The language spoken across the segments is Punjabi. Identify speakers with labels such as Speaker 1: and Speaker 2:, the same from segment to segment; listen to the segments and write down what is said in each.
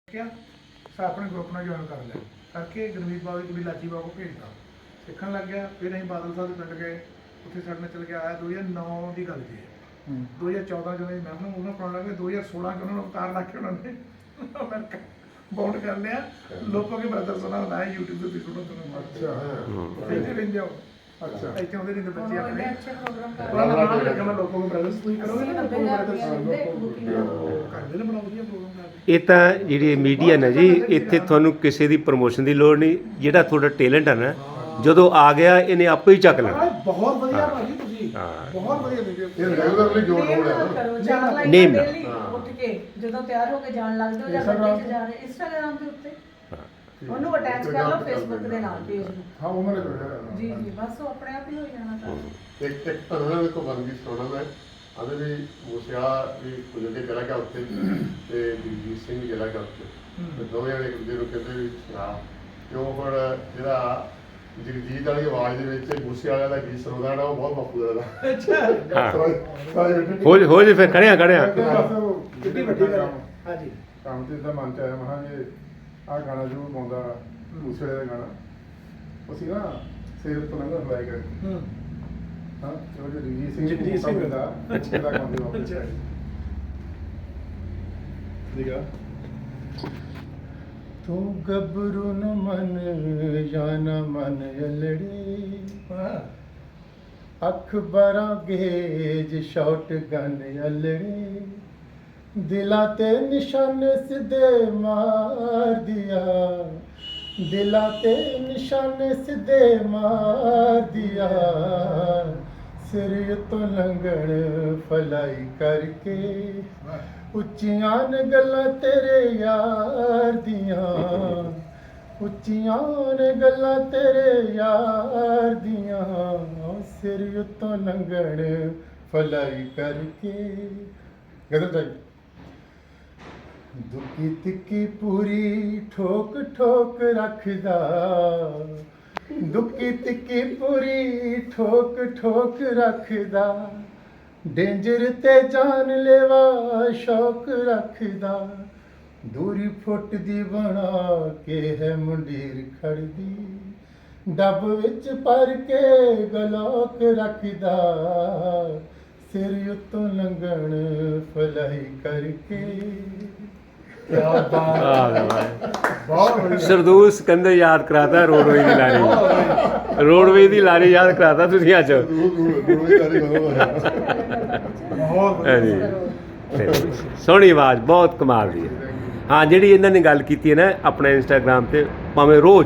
Speaker 1: ਕਿਹਾ ਆਪਣੇ ਗਰੁੱਪ ਨਾਲ ਜੁਆਇਨ ਕਰ ਲਿਆ ਕਰਕੇ ਗੁਰਮੀਤ ਬਾਬੂ ਦੀ ਕੁੜੀ ਲਾਚੀ ਬਾਬੂ ਭੇਜਦਾ ਸਿੱਖਣ ਲੱਗ ਗਿਆ। ਫਿਰ ਅਸੀਂ ਬਾਦਲ ਸਾਹਿਬ ਦੇ ਪਿੰਡ ਗਏ, ਉੱਥੇ ਸਾਡੇ ਨਾਲ ਚੱਲ ਕੇ ਆਇਆ। 2009 ਦੀ ਗੱਲ ਜੀ, 2014 ਜਦੋਂ ਮੈਂ ਉਹਨਾਂ ਪੜਾਉਣ ਲੱਗੇ 2016 ਚ ਉਹਨਾਂ ਨੂੰ ਅਵਤਾਰ ਲਾ ਕੇ ਉਹਨਾਂ ਨੇ ਅਮਰੀਕਾ ਬਾਉਂਡ ਕਰ ਲਿਆ। ਲੋਕਾਂ ਕੇ ਬ੍ਰਦਰ ਸੁਣਾ ਲਾਇਆ YouTube ਤੇ ਸੁਣੋ ਤੁਹਾਨੂੰ। ਅੱਛਾ ਇੱਥੇ ਰਹਿੰਦੇ ਹੋ? ਅੱਛਾ ਇੱਥੇ ਆਉਂਦੇ ਰਹਿੰਦੇ ਬੱਚੇ ਆਪਣੇ। ਅੱਛਾ ਪ੍ਰੋਗਰਾਮ ਕਰ ਰਹੇ ਨਾਮ ਲੱਗਾ ਮੈਂ ਲੋਕਾਂ ਕੇ ਬ੍ਰਦਰਸ ਤੁਸੀਂ ਕਰੋਗੇ ਨਾ ਲੋਕਾਂ ਬ੍ਰਦਰਸ ਕਰਦੇ ਨੇ ਬੜਾ ਵਧੀਆ ਪ੍ਰੋਗਰਾਮ ਕਰਦੇ।
Speaker 2: ਇਹ ਤਾਂ ਜਿਹੜੀ ਮੀਡੀਆ ਨਾ ਜੀ, ਇੱਥੇ ਤੁਹਾਨੂੰ ਕਿਸੇ ਦੀ ਪ੍ਰਮੋਸ਼ਨ ਦੀ ਲੋੜ ਨਹੀਂ। ਜਿਹੜਾ ਤੁਹਾਡਾ ਟੈਲੈਂਟ ਹੈ ਨਾ, ਜਦੋਂ ਆ ਗਿਆ ਇਹਨੇ ਆਪੇ ਹੀ ਚੱਕ ਲੈਣਾ।
Speaker 1: ਬਹੁਤ ਵਧੀਆ ਭਾਜੀ, ਤੁਸੀਂ ਬਹੁਤ ਵਧੀਆ ਵੀਡੀਓ
Speaker 3: ਇਹ ਰੈਗੂਲਰਲੀ ਜੋੜ ਹੋ ਰਿਹਾ
Speaker 4: ਨੇਮ ਉੱਠ ਕੇ ਜਦੋਂ ਤਿਆਰ ਹੋ ਕੇ ਜਾਣ ਲੱਗਦੇ ਹੋ ਜਾਂ ਗੱਡੀ 'ਚ ਜਾ ਰਹੇ ਇੰਸਟਾਗ੍ਰਾਮ ਦੇ ਉੱਤੇ ਉਹਨੂੰ ਅਟੈਚ ਕਰ ਲਓ ਫੇਸਬੁੱਕ ਦੇ ਨਾਲ ਪੇਜ ਨੂੰ।
Speaker 3: ਹਾਂ ਉਹਨਾਂ ਨੇ ਜੋੜਿਆ
Speaker 4: ਜੀ ਜੀ ਬਸ ਉਹ ਆਪਣੇ ਆਪ ਹੀ ਹੋ ਜਾਣਾ ਤਾਂ।
Speaker 3: ਇੱਕ ਉਹਨਾਂ ਨੇ ਕੋ ਬੰਦੀ ਸੁਣਾ ਮੈਂ ਆਦੇ ਵੀ ਮੂਸਿਆ ਵੀ ਕੁਝ ਦੇ ਚਲਾ ਗਿਆ ਉੱਥੇ ਤੇ ਜਗਜੀਤ ਸਿੰਘ ਚਲਾ ਗਿਆ ਉੱਥੇ ਤੇ ਦੋਵੇਂ ਜਣੇ ਇੱਕ ਦੂਜੇ ਨੂੰ ਕਹਿੰਦੇ ਵੀ ਸੁਣਾ ਕਿਉਂ ਪਰ ਜਿਹੜਾ ਜਗਜੀਤ ਵਾਲੀ ਆਵਾਜ਼ ਦੇ ਵਿੱਚ ਮੂਸੇ ਵਾਲਾ ਦਾ ਗੀਤ ਸੁਣਦਾ ਨਾ ਉਹ ਬਹੁਤ ਬਾਪੂ ਦਾ।
Speaker 2: ਅੱਛਾ ਹੋ ਜੇ ਫਿਰ ਖੜਿਆ
Speaker 1: ਕਿੰਨੀ ਵੱਡੀ ਗੱਲ ਹਾਂਜੀ
Speaker 3: ਕੰਮ ਤੇ ਤਾਂ ਮਨ ਚ ਆਇਆ ਮਹਾਂ ਜੇ ਆਹ ਗਾਣਾ ਜ਼ਰੂਰ ਪਾਉਂਦਾ ਮੂਸੇ ਵਾਲੇ ਦਾ ਗਾਣਾ ਅਸੀਂ ਨਾ ਸਿਰ ਤੋਂ ਲੰਘਣ ਫਲਾਈ ਕਰ ਹਾਂ ਜੋ ਜਗਜੀਤ ਸਿੰਘ ਦਾ ਅੱਛਾ ਗਾਉਂਦੇ ਵਾਪਸ ਆਏ ਦੀਗਾ ਤੂੰ ਗੱਭਰੂ ਨ ਮਨ ਜਾਂ ਨ ਮਨ ਅਲੜੀ ਅੱਖ ਬਰਾਂ ਗੇਜ ਸ਼ਾਟ ਗਨ ਅਲੜੀ ਦਿਲਾਂ ਤੇ ਨਿਸ਼ਾਨੇ ਸਿੱਧੇ ਮਾਰ ਦਿਆ ਦਿਲਾਂ ਤੇ ਨਿਸ਼ਾਨੇ ਸਿੱਧੇ ਮਾਰ ਦਿਆ ਸਿਰ ਤੋਂ ਲੰਘਣ ਫਲਾਈ ਕਰਕੇ ਉੱਚੀਆਂ ਨੇ ਗੱਲਾਂ ਤੇਰੇ ਯਾਰ ਦੀਆਂ ਉੱਚੀਆਂ ਨੇ ਗੱਲਾਂ ਤੇਰੇ ਯਾਰ ਦੀਆਂ ਸਿਰ ਉੱਤੋਂ ਲੰਘਣ ਫਲਾਈ ਕਰਕੇ ਗਦਰ ਜਾਈ ਦੁੱਕੀ ਤਿੱਕੀ ਪੂਰੀ ਠੋਕ ਠੋਕ ਰੱਖਦਾ ਦੁੱਕੀ ਤਿੱਕੀ ਪੂਰੀ ਠੋਕ ਠੋਕ ਰੱਖਦਾ ਡੇਂਜਰ ਤੇ ਜਾਨ ਲੈਵਾ ਸ਼ੌਕ ਰੱਖਦਾ ਦੂਰੀ ਫੁੱਟ ਦੀ ਬਣਾ ਕੇ ਹੈ ਮੁੰਡੀਰ ਖੜਦੀ ਡੱਬ ਵਿੱਚ ਭਰ ਕੇ ਗਲੋਕ ਰੱਖਦਾ ਸਿਰ ਉੱਤੋਂ ਲੰਘਣ ਫਲਾਈ ਕਰਕੇ।
Speaker 2: ਸਰਦੂਲ ਸਿਕੰਦਰ ਯਾਦ ਕਰਾਤਾ ਰੋਡਵੇਜ਼ ਦੀ ਲਾਰੀ, ਰੋਡਵੇਜ਼ ਦੀ ਲਾਰੀ ਯਾਦ ਕਰਾਤਾ ਤੁਸੀਂ ਅੱਜ। ਹਾਂਜੀ ਸੋਹਣੀ ਆਵਾਜ਼ ਬਹੁਤ ਕਮਾਲ ਦੀ ਹੈ। ਹਾਂ ਜਿਹੜੀ ਇਹਨਾਂ ਨੇ ਗੱਲ ਕੀਤੀ ਹੈ ਨਾ ਆਪਣੇ ਇੰਸਟਾਗ੍ਰਾਮ ਤੇ ਭਾਵੇਂ ਰੋਜ਼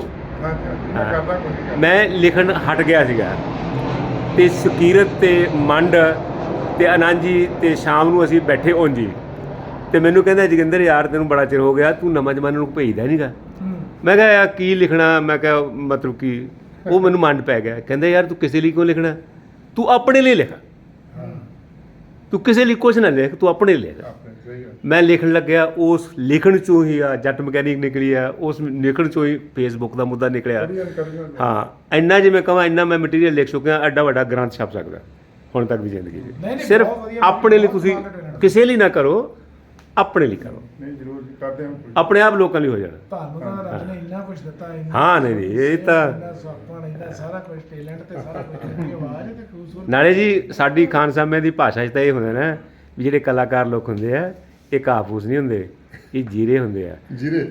Speaker 2: ਮੈਂ ਲਿਖਣ ਹਟ ਗਿਆ ਸੀਗਾ ਤੇ ਸਕੀਰਤ ਤੇ ਮੰਡ ਤੇ ਆਨੰਦ ਜੀ ਤੇ ਸ਼ਾਮ ਨੂੰ ਅਸੀਂ ਬੈਠੇ ਉਂਝ ਹੀ ਤੇ ਮੈਨੂੰ ਕਹਿੰਦਾ ਜੋਗਿੰਦਰ ਯਾਰ ਤੈਨੂੰ ਬੜਾ ਚਿਰ ਹੋ ਗਿਆ ਤੂੰ ਨਵਾਂ ਜਮਾਨੇ ਨੂੰ ਭੇਜਦਾ ਨਹੀਂਗਾ। ਮੈਂ ਕਿਹਾ ਯਾਰ ਕੀ ਲਿਖਣਾ, ਮੈਂ ਕਿਹਾ ਮਤਲਬ ਕਿ ਉਹ ਮੈਨੂੰ ਮੰਡ ਪੈ ਗਿਆ। ਕਹਿੰਦਾ ਯਾਰ ਤੂੰ ਕਿਸੇ ਲਈ ਕਿਉਂ ਲਿਖਣਾ, ਤੂੰ ਆਪਣੇ ਲਈ ਲਿਖ, ਤੂੰ ਕਿਸੇ ਲਈ ਕੁਛ ਨਾ ਲਿਖ, ਤੂੰ ਆਪਣੇ ਲਈ ਲਿਖ। ਮੈਂ ਲਿਖਣ ਲੱਗਿਆ, ਉਸ ਲਿਖਣ 'ਚੋਂ ਹੀ ਆ ਜੱਟ ਮਕੈਨਿਕ ਨਿਕਲੀ ਆ, ਉਸ ਲਿਖਣ 'ਚੋਂ ਹੀ ਫੇਸਬੁੱਕ ਦਾ ਮੁੱਦਾ ਨਿਕਲਿਆ। ਹਾਂ ਇੰਨਾ ਜੇ ਮੈਂ ਕਹਾਂ ਇੰਨਾ ਮੈਂ ਮਟੀਰੀਅਲ ਲਿਖ ਚੁੱਕਿਆ, ਐਡਾ ਵੱਡਾ ਗ੍ਰੰਥ ਛਪ ਸਕਦਾ ਹੁਣ ਤੱਕ ਦੀ ਜ਼ਿੰਦਗੀ 'ਚ। ਸਿਰਫ ਆਪਣੇ ਲਈ, ਤੁਸੀਂ ਕਿਸੇ ਲਈ ਨਾ ਕਰੋ, ਆਪਣੇ ਲਈ ਕਰੋ।
Speaker 3: ਨਹੀਂ ਜ਼ਰੂਰ ਕਰਦੇ ਹਾਂ
Speaker 2: ਆਪਣੇ ਆਪ ਲੋਕਾਂ ਲਈ ਹੋ ਜਾਣਾ।
Speaker 1: ਤੁਹਾਨੂੰ ਤਾਂ ਰੱਬ ਨੇ ਇੰਨਾ ਕੁਝ ਦਿੱਤਾ ਹੈ।
Speaker 2: ਹਾਂ ਨਹੀਂ ਇਹ ਤਾਂ
Speaker 1: ਇੰਨਾ ਸਾਰਾ ਕੁਝ ਟੈਲੈਂਟ ਤੇ ਸਾਰਾ ਕੁਝ ਆਵਾਜ਼ ਤੇ ਖੂਬਸੂਰਤ।
Speaker 2: ਨਾਲੇ ਜੀ ਸਾਡੀ ਖਾਨ ਸਾਹਿਬ ਦੀ ਭਾਸ਼ਾ 'ਚ ਤਾਂ ਇਹ ਹੁੰਦਾ ਨਾ ਵੀ ਜਿਹੜੇ ਕਲਾਕਾਰ ਲੋਕ ਹੁੰਦੇ ਆ ਇਹ ਕਾਫੂਸ ਨਹੀਂ ਹੁੰਦੇ, ਇਹ ਜੀਰੇ ਹੁੰਦੇ ਆ।
Speaker 3: ਜੀਰੇ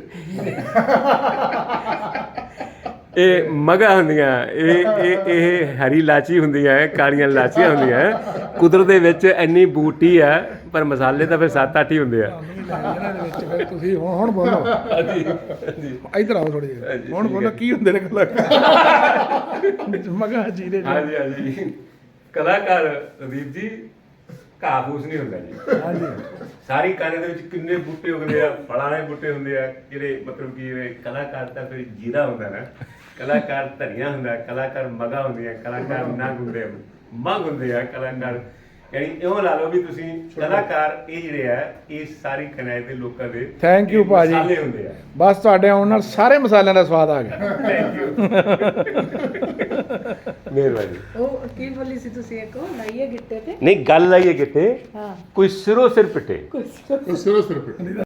Speaker 2: ਇਹ ਮਗਾ ਹੁੰਦੀਆਂ, ਇਹ ਹਰੀ ਇਲਾਚੀ ਹੁੰਦੀਆਂ, ਕਾਲੀਆਂ ਇਲਾਚੀਆਂ ਹੁੰਦੀਆਂ। ਕੁਦਰਤ ਦੇ ਵਿੱਚ ਇੰਨੀ ਬੂਟੀ ਆ ਪਰ ਮਸਾਲੇ ਤਾਂ ਫਿਰ 7-8 ਹੀ ਹੁੰਦੇ ਆ।
Speaker 1: ਤੁਸੀਂ ਹੁਣ ਬੋਲੋ ਇੱਧਰ ਆਓ ਥੋੜੀ ਜਿਹੀ, ਹੁਣ ਬੋਲੋ ਕੀ ਹੁੰਦੇ ਨੇ ਕਲਾਕਾਰ ਮਗਾ ਜੀਰੇ।
Speaker 2: ਹਾਂਜੀ ਹਾਂਜੀ ਕਲਾਕਾਰ ਰਦੀਪ ਜੀ ਕਾਫੂਸ ਨਹੀਂ ਹੁੰਦਾ ਜੀ। ਹਾਂਜੀ ਸਾਰੀ ਕਾਨੇ ਦੇ ਵਿੱਚ ਕਿੰਨੇ ਬੂਟੇ ਉੱਗਦੇ ਆ, ਫਲਾਂ ਦੇ ਬੂਟੇ ਹੁੰਦੇ ਆ ਜਿਹੜੇ ਮਤਲਬ ਕਿ ਕਲਾਕਾਰ ਤਾਂ ਫਿਰ ਜੀਰਾ ਹੁੰਦਾ ਨਾ, ਕਲਾਕਾਰ ਧਨੀਆ ਹੁੰਦਾ, ਕਲਾਕਾਰ ਮਗਾ ਹੁੰਦੀਆਂ, ਕਲਾਕਾਰ ਨੰਗ ਹੁੰਦੇ, ਮੰਗ ਹੁੰਦੇ ਆ ਕਲਾਕਾਰ। ਯਾਨੀ ਇਉਂ ਲਾ ਲਓ ਵੀ ਤੁਸੀਂ ਕਲਾਕਾਰ ਇਹ ਜਿਹੜੇ ਆ ਇਹ ਸਾਰੀ ਕਨਾਇਤ ਦੇ ਲੋਕਾਂ ਦੇ
Speaker 1: ਥੈਂਕ ਯੂ ਭਾਜੀ
Speaker 2: ਮਸਾਲੇ ਹੁੰਦੇ ਆ।
Speaker 1: ਬਸ ਤੁਹਾਡੇ ਆਉਣ ਨਾਲ ਸਾਰੇ ਮਸਾਲਿਆਂ ਦਾ ਸਵਾਦ ਆ ਗਿਆ।
Speaker 2: ਥੈਂਕ ਯੂ ਮਿਹਰਬਾਨੀ।
Speaker 4: ਉਹ ਕੀ ਬੋਲੀ ਸੀ ਤੁਸੀਂ ਇੱਕ ਲਾਈਏ ਗਿੱਟੇ ਤੇ?
Speaker 2: ਨਹੀਂ ਗੱਲ ਆਈਏ ਕਿਤੇ
Speaker 4: ਹਾਂ
Speaker 2: ਕੋਈ ਸਿਰੋਂ ਸਿਰ ਪਿੱਟੇ
Speaker 4: ਕੁਛ
Speaker 3: ਸਿਰੋਂ ਸਿਰ